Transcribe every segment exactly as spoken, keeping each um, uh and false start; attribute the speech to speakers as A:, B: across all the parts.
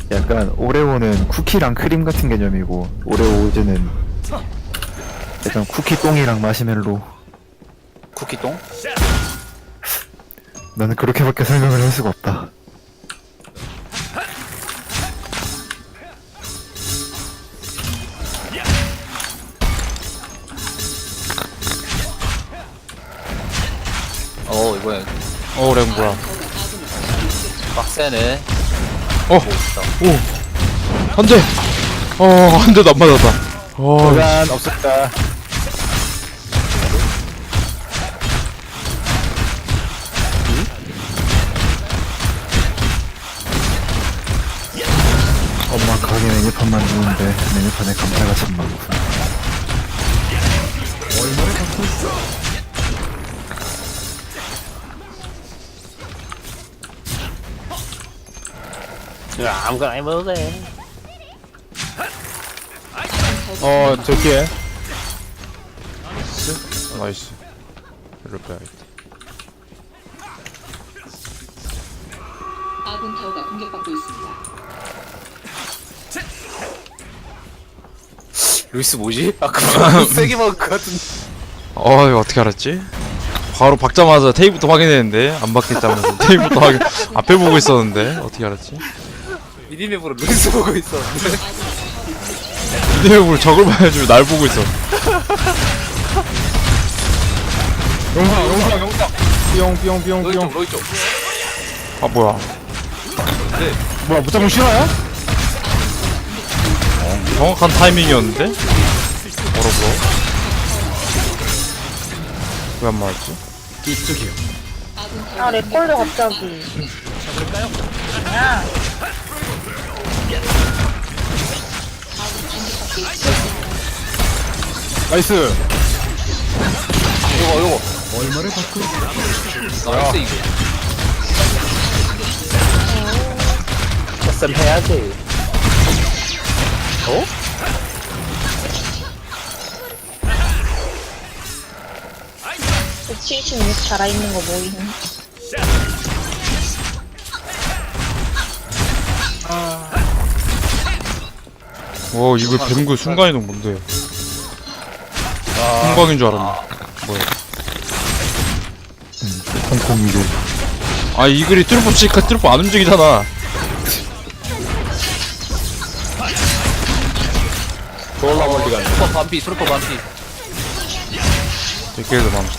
A: 약간 오레오는 쿠키랑 크림 같은 개념이고 오레오 우즈는 약간 쿠키똥이랑 마시멜로.
B: 쿠키똥?
A: 나는 그렇게밖에 설명을 할 수가 없다.
B: 어 이번엔
C: 어 렉 뭐야.
B: 빡세네.
C: 어! 오! 한 대! 어, 한 대도 안 맞았다. 어,
A: 시간 없었다. 엄마 가게 메뉴판만 주는데 메뉴판에 감자가 참 많고.
B: 야 아무거나 해봐도 돼.
C: 어, 저기에. 나이스. 나이스. 이럴 빼야겠다.
D: 아군 타워가 공격받고 있습니다.
B: 루이스 뭐지? 아까 세게 막은 것 같은데.
C: 어, 이거 어떻게 알았지? 바로 박자마자 테이프부터 확인했는데, 안 박혔다면서. 테이프부터 확인, 앞에 보고 있었는데, 어떻게 알았지?
B: 미니맵으로 루이스 보고 있었는데.
C: 비디오를 적을 봐야지, 날 보고 있어.
A: 영상 영상 영상. 뿅뿅뿅뿅.
B: 로이 쪽 로이 쪽.
C: 아, 뭐야.
A: 뭐야 무작정 싫어요?
C: 정확한 타이밍이었는데? 뭐라고? 왜 안 맞았지?
B: 이쪽이요.
E: 아, 렉 걸려, 갑자기. 야,
A: 나이스.
B: 이거 이거. 얼마를 받고? 나이스 이거. SM 해야지. 어?
E: 칠십육 살아있는 거 모임.
C: 오, 이거 뱀구 순간이동 뭔데? 순광인 줄 알았네. 뭐야?
A: 홍콩이도.
C: 아, 이 글이 뚫고 치니까 뚫고 안 움직이잖아.
B: 졸라 멀리 가네. 트루퍼 반피, 트루퍼 반피.
C: 되게도 많아.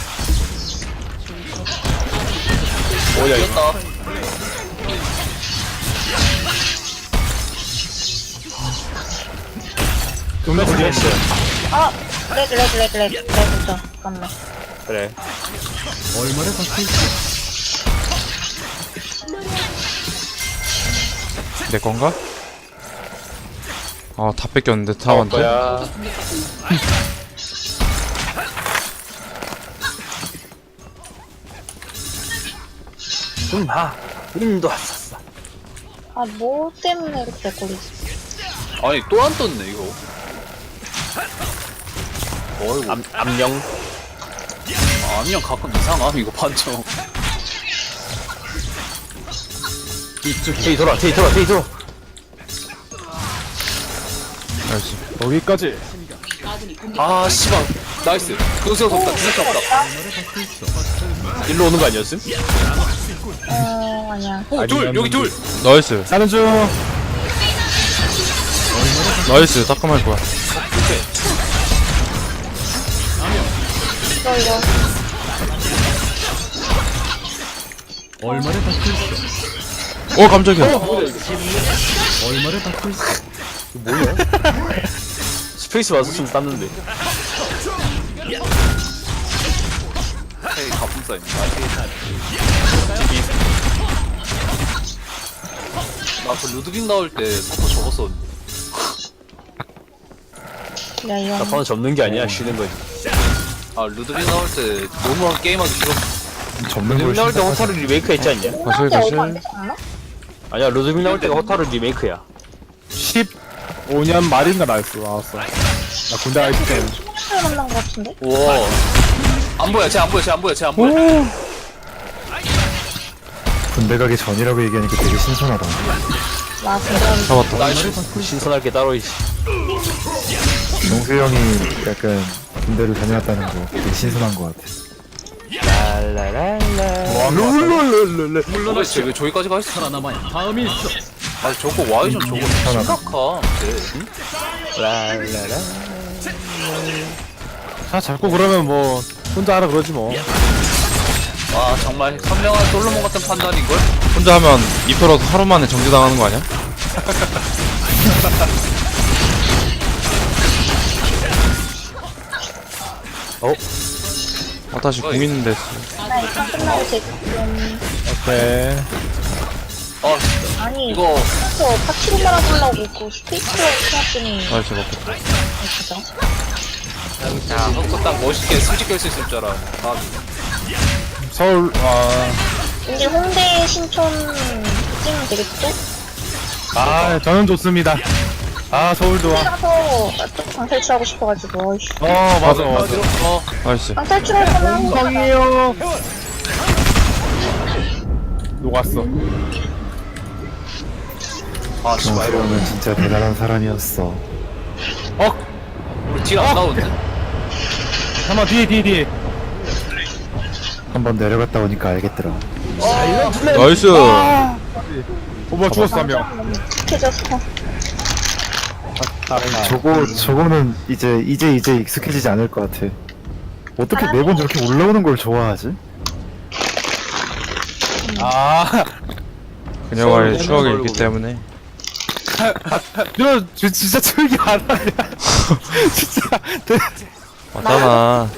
B: 오야 이겼다.
A: 좀더 걸렸어요.
E: 아, 렉, 렉, 렉, 렉, 렉부터. 잠깐만.
B: 그래.
C: 내 건가? 아, 다 뺏겼는데, 타워한테?
B: 거야. 음, 하. 음도 왔었어.
E: 아, 뭐 때문에 이렇게 렉 걸리지?
B: 아니 또 안 떴네 이거. 어이구. 암, 암령. 아, 암령 가끔 이상함 이거 판정. 이쪽. 제이 돌아, 제이 돌아, 제이 돌아.
C: 나이스.
A: 여기까지.
B: 아 씨발. 나이스. 그거 없다. 그거 없다. 일로 오는 거 아니었음?
E: 어, 아니야.
B: 오, 둘 여기 둘.
C: 나이스.
A: 나는 좀.
C: 나이스. 따끔할 거야.
E: 이거, 이거.
C: 어, 깜짝이야.
B: 스페이스 맞았으면 땄는데. 헤이 가품싸임. 나그 루드빅 나올 때 사포 접었었는데.
E: 야, 이거.
B: 사포는 접는 게 아니야, 쉬는 거지. 아 루드빅 나올 때 너무 게임하기 싫었어.
A: 접는
B: 루드빅
A: 걸
B: 나올 때 호타루 리메이크 했지 않냐?
C: 가실,
E: 나한테 얼마 안
C: 가실.
E: 되지 않나?
B: 아니야 루드빅 나올 때가 호타루 리메이크야.
A: 십오 년 말인가 나였어. 나왔어. 나 군대 가있을 때.
E: 잘 만난 거 같은데?
B: 우와. 안 보여, 쟤 안 보여, 쟤 안 보여, 쟤 안 보여.
A: 군대 군대 가기 전이라고 얘기하니까 되게 신선하다.
E: 와, 근데
C: 잡았다.
B: 나이스. 신선할 게 따로 있지.
A: 용수 형이 약간 군대를 다녀왔다는 거 되게 신선한 것 같아.
B: 룰룰룰룰룰. 물론 왜 저기까지 가 있어? 살아남아야 다음이 있어. 아 저거 와이전 저거 심각함. 랄랄라.
F: 아 자꾸 그러면 뭐 혼자 하라 그러지 뭐.
B: 와 정말 선명한 솔로몬 같은 판단인걸?
C: 혼자 하면 이표라도 하루 만에 정지당하는 거 아니야?
F: 어?
C: 아 다시 공 있는데
E: 나 일단 끝나고 지금
F: 오케이.
B: 아 진짜
E: 아니
B: 이거
E: 저 파티로 말아보려고 그 스페이스로 해놨더니
C: 나이스 먹고
E: 진짜
B: 야 흑서 딱 멋있게 수직 깰수 있을 줄 알아. 아,
F: 서울 아,
E: 이제 홍대 신촌 찍으면 되겠죠?
F: 아 저는 좋습니다. 아 서울 좋아.
E: 가서 또 방탈출하고 싶어가지고 어이씨.
F: 어 맞아 맞아.
B: 어
C: 나이스
E: 방탈출할 거면
F: 성이에요. 녹았어.
B: 아
A: 용수
B: 씨발 이거
A: 형은 진짜 대단한 사람이었어.
F: 어
B: 우리 딜안 나오는데?
F: 한번 뒤에 뒤에 뒤에.
A: 한번 내려갔다 오니까 알겠더라.
C: 나이스
F: 어 뭐 죽었어 한 명.
E: 익숙해져서
A: 저거 저거는 이제 이제 이제 익숙해지지 않을 것 같아. 어떻게 매번 저렇게 올라오는 걸 좋아하지?
F: 아
C: 그녀와의 추억이 있기 때문에
F: 너 저, 진짜 철기 안 하냐? 진짜. 대-
C: 맞잖아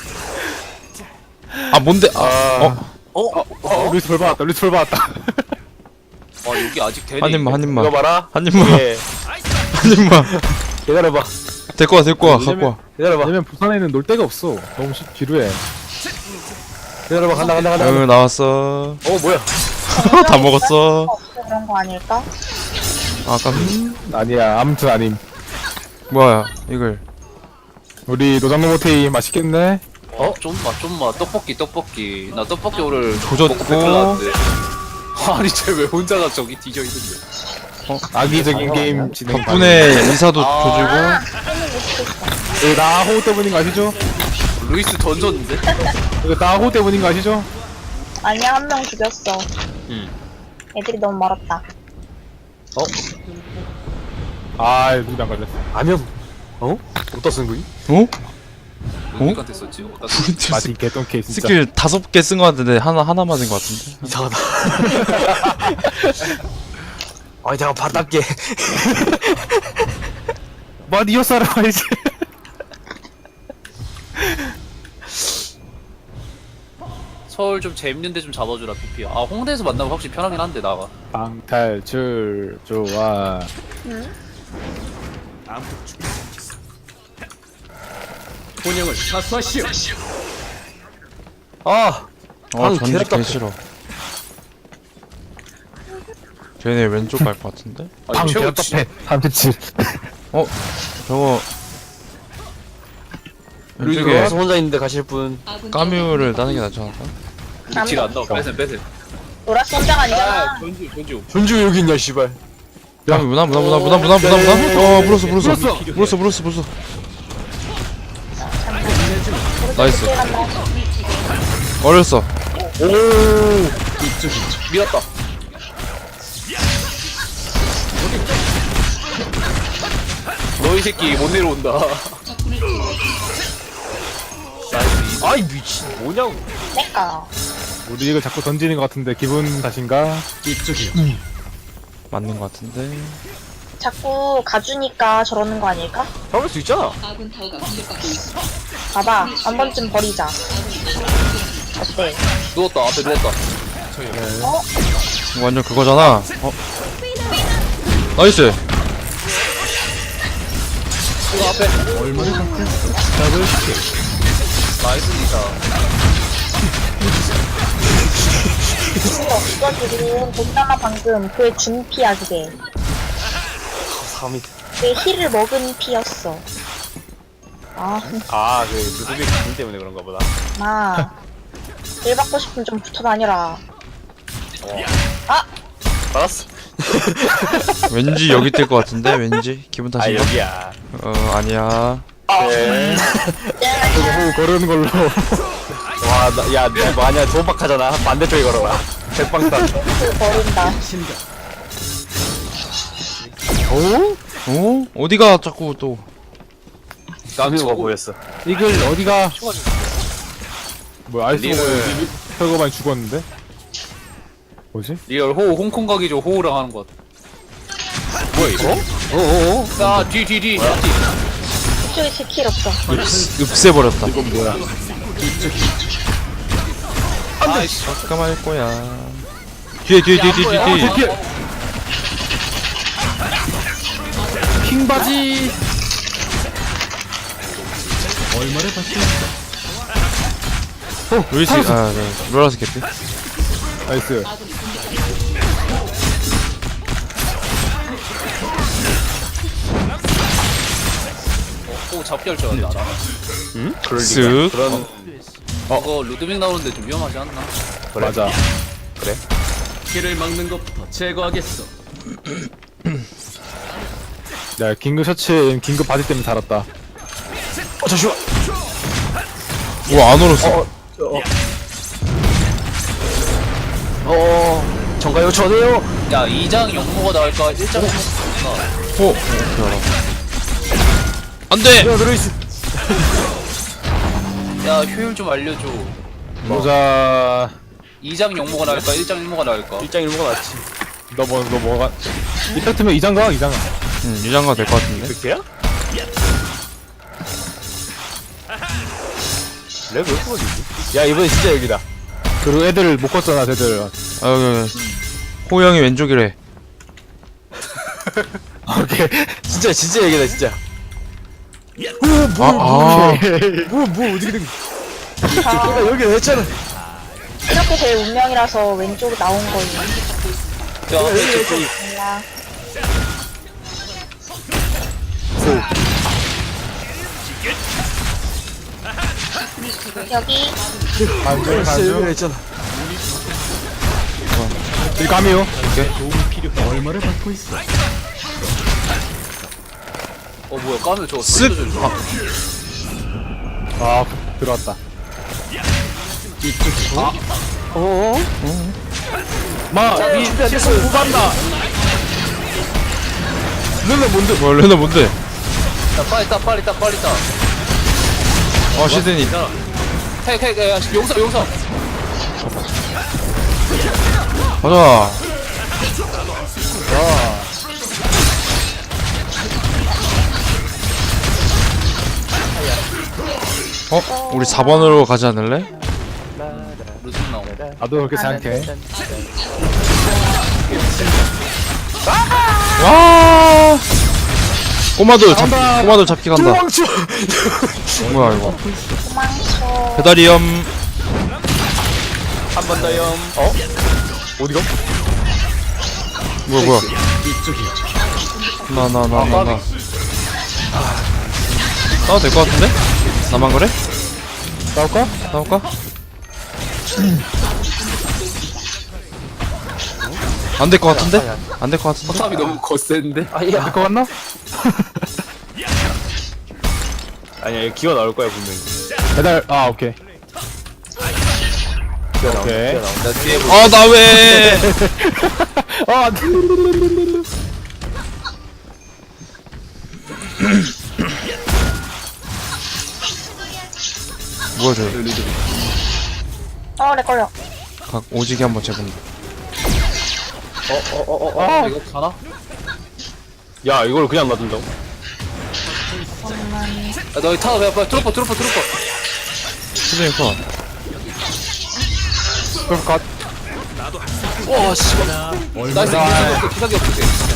C: 아 뭔데 아 어?
B: 어?
F: 어, 루이스 벌 받았다. 루이스 벌 받았다.
B: 아 여기 아직 되네.
C: 한 입만 한 입만
F: 이거 봐라.
C: 한 입만
F: 예.
C: 한 입만
F: 기다려봐.
C: 데리고 와 데리고 와 갖고 와
F: 기다려봐. 왜냐면 부산에는 놀 데가 없어. 너무 시, 지루해. 기다려봐. 간다 간다 간다.
C: 응 나왔어
F: 어 뭐야?
C: 다 먹었어
E: 없어 그런 거 아닐까?
C: 아 깜짝이야
F: 아니야. 아무튼 아님.
C: 뭐야 이걸
F: 우리 노장노 모테이 맛있겠네.
B: 어? 좀만 좀만 떡볶이 떡볶이 나 떡볶이 오늘
C: 조졌고.
B: 먹고 배탈 났는데. 아니 쟤 왜 혼자가 저기 뒤져 있는데?
F: 악의적인 게임 진행.
C: 덕분에 인사도
B: 아.
C: 조지고
F: 이거 나 호우 때문인 거 아시죠?
B: 루이스 던졌는데?
F: 이거 나 호우 때문인 거 아시죠?
E: 아니야 한 명 죽였어.
B: 응.
E: 애들이 너무 멀었다.
F: 아, 누구 안 걸렸어. 아니요. 어? 어디다 쓴 거니?
C: 어?
B: 누구한테 썼지? 어? 나
F: 마치 개똥케 진짜.
C: 스킬 다섯 개 쓴 거 같은데 하나 하나 맞은 거 같은데
F: 이상하다.
G: 아니 내가 바닥게
F: 뭐 니어 사람 알지?
B: 서울 좀 재밌는데 좀 잡아주라 피피. 아 홍대에서 만나면 확실히 편하긴 한데 나가.
F: 방탈출 좋아.
E: 응?
G: 본영을 사수하시오.
F: 아,
C: 어
F: 방
C: 전지
F: 개답답해.
C: 개 싫어 쟤네 왼쪽 갈 것 같은데?
F: 방
B: 아니 최고
F: 개답답해.
A: 삼십칠.
C: 어? 저거
G: 루이스
C: 왼쪽에
G: 혼자 있는데 가실 분.
C: 까뮤를 따는 게 낫지 않을까?
B: 우리 딜안 나와. 빼셈 빼셈.
E: 노라스 혼자가 아니잖아.
B: 아 전주 전주.
G: 전주 여기 있냐 씨발.
C: 까뮤 무나 무나 무나 무나 무나 무나 무나 어 물었어 물었어 물었어 물었어 물었어 나이스 어렸어
B: 밀었다. 너 이 새끼 못 내려온다. 나이스.
G: 아이 미친 뭐냐고.
E: 내꺼.
F: 우리 이거 자꾸 던지는 것 같은데 기분 탓인가?
G: 이쪽이요.
C: 맞는 것 같은데
E: 자꾸 가주니까 저러는 거 아닐까?
G: 잡을 수 있잖아.
E: 봐봐 한 번쯤 버리자. 어때?
B: 누웠다. 앞에 누웠다.
E: 어?
C: 이거 완전 그거잖아 어? 나이스
B: 이거 앞에. 나이스 니사.
E: 이거 지금 보잖아 방금 그의 준피야 그게.
G: 삼이.
E: 내 힐을 먹은 피였어. 아,
G: 아그 루드빅 군 때문에 그런가 보다.
E: 마. 일 받고 싶으면 좀 붙어 다녀라.
G: 알았어.
C: 왠지 여기 뜰 것 같은데 왠지 기분
G: 아
C: 탓인가?
G: 여기야.
C: 어 아니야.
G: 네.
F: 호 거르는 걸로.
G: 와, 나, 야, 너 뭐하냐? 조박하잖아. 반대쪽에 걸어라. 백방탄.
E: 버린다.
F: 오?
C: 어? 어디가 자꾸 또
G: 깜수가 보였어.
F: 이글 어디가? 뭐야 아이스
B: 리얼.
F: 털고만 죽었는데? 뭐지?
B: 리얼 호우 홍콩 가기죠. 호우랑 하는 것. 뭐야 이거?
F: 어어어?
B: 야, 뒤, 뒤, 뒤. 뒤.
E: 이쪽에 스킬 없어.
C: 읍새버렸다.
F: 이건 뭐야?
B: 아이씨.
C: 잠깐만 할 거야. 뒤에 뒤에 뒤에 뒤에 뒤에. 뒤에.
F: 피해! 킹바지!
C: 루이스 아 네. 로라스 개피.
F: 나이스.
B: 호우 잡기 할 줄 알았다. 나.
G: 응? 그럴
C: 쓱.
G: 리가. 그런.
B: 이거 루드빅 나오는데 좀 위험하지 않나?
F: 맞아.
H: 길을 막는 것부터 제거하겠어.
F: 야, 긴급 셔츠에 긴급 바지 때문에 살았다.
G: 어, 잠시만.
C: 우와 안 얼었어.
G: 어, 정가 요청해요.
B: 야, 이 장 용모가 나올까? 일 장 용모가 나올까?
C: 오. 안돼.
G: 야, 들어있어.
B: 야, 효율 좀 알려줘.
F: 모자.
B: 이 장 용모가 나올까? 일 장 용모가 나올까?
G: 일장 일모가 낫지.
F: 너 뭐, 너 뭐가. 이펙트면 이장가? 이장가.
C: 응 유장가 될 것 같은데.
G: 그게야? 렉왜 이렇게 걸리지? 야, 이번엔 진짜 여기다.
F: 그리고 애들 못 걷잖아, 쟤들.
C: 아 여기 호영이 왼쪽이래.
F: 오케이.
G: 진짜, 진짜 여기다, 진짜.
C: 아 아.
G: 뭐, 뭐, 어떻게 된 내가 여기다 했잖아.
E: 이렇게 제일 운명이라서 왼쪽 나온 거예요.
B: 야, 왼쪽 거기.
E: 몰라. 여기
F: 반전,
G: 진짜 여기다
F: 반전.
G: 했잖아.
F: 이 감이요.
H: 얼마를 받고 있어?
B: 어, 뭐야, 까면 저거
C: 쓱.
B: 소리도 좀 줘.
F: 아, 들어왔다.
G: 어어?
F: 마, 이,
G: 됐어. 후반다.
C: 르나 뭔데? 뭐 르나 뭔데?
B: 야, 빨리 따, 빨리 따, 빨리 따.
C: 어 시드니.
B: 택, 택, 야, 용서, 용서.
C: 가자. 어? 우리 사 번으로 가지 않을래?
B: 루드빅 나오고.
F: 나도 그렇게 생각해.
C: 와. 꼬마들 잡 꼬마들 잡기 간다.
G: 도망쳐.
C: 뭐야 이거?
E: 도망쳐.
C: 배달이염.
G: 한 번 더 염. 어? 어디가?
C: 뭐야 뭐야?
H: 이쪽이야.
C: 나 나 나 나 나. 싸워도 될 것 같은데? 나만 그래?
F: 싸울까?
C: 싸울까? 안 될 것 같은데? 안 될 것 같은데?
B: 포탑이 너무 거센데?
G: 아니야.
F: 될거 같나?
G: 아니야, 기어 나올 거야, 분명히.
F: 배달, 아, 오케이. 오케이.
B: 나 뒤에 보
C: 아 나 왜?
F: 아, 안 돼.
C: 뭐야 저?
E: 어, 내 걸려.
C: 각 오지게 한번 재본다.
B: 아, 이거 가나?
G: 야, 이걸 그냥 놔둔다고?
E: 잠깐만.
B: 야, 너 타, 야, 빨리 트로퍼, 트로퍼, 트로퍼.
C: 시드니 컷.
F: 그럼 갓.
B: 와, 씨발. 나이스, 기사기 없어, 기사기 없어.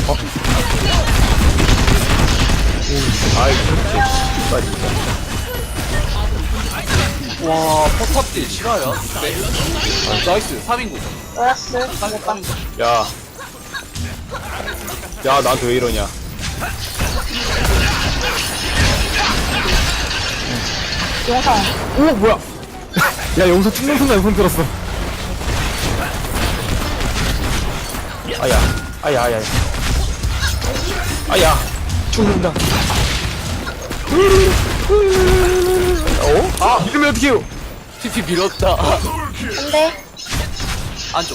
G: 아이, 그렇게. 빨리.
B: 와, 포탑딜 실화야? 네. 아, 나이스, 삼 인구.
E: 노라스.
B: 삼
E: 못봐.
B: 인구.
G: 야. 야, 나한테 왜 이러냐.
E: 용성.
F: 오, 뭐야. 야, 여기서 찍는 순간 손 들었어.
G: 아야 아야 아야 아야 죽는다. 어? 아 이러면 어떡해요?
B: 피피 밀었다.
E: 안돼.
B: 안쪽.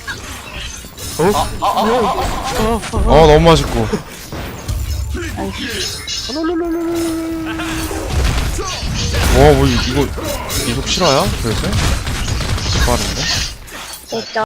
C: 어 너무 맛있고. 와뭐 이거 이속 실화야? 그래서? 빠른데?
E: 됐죠.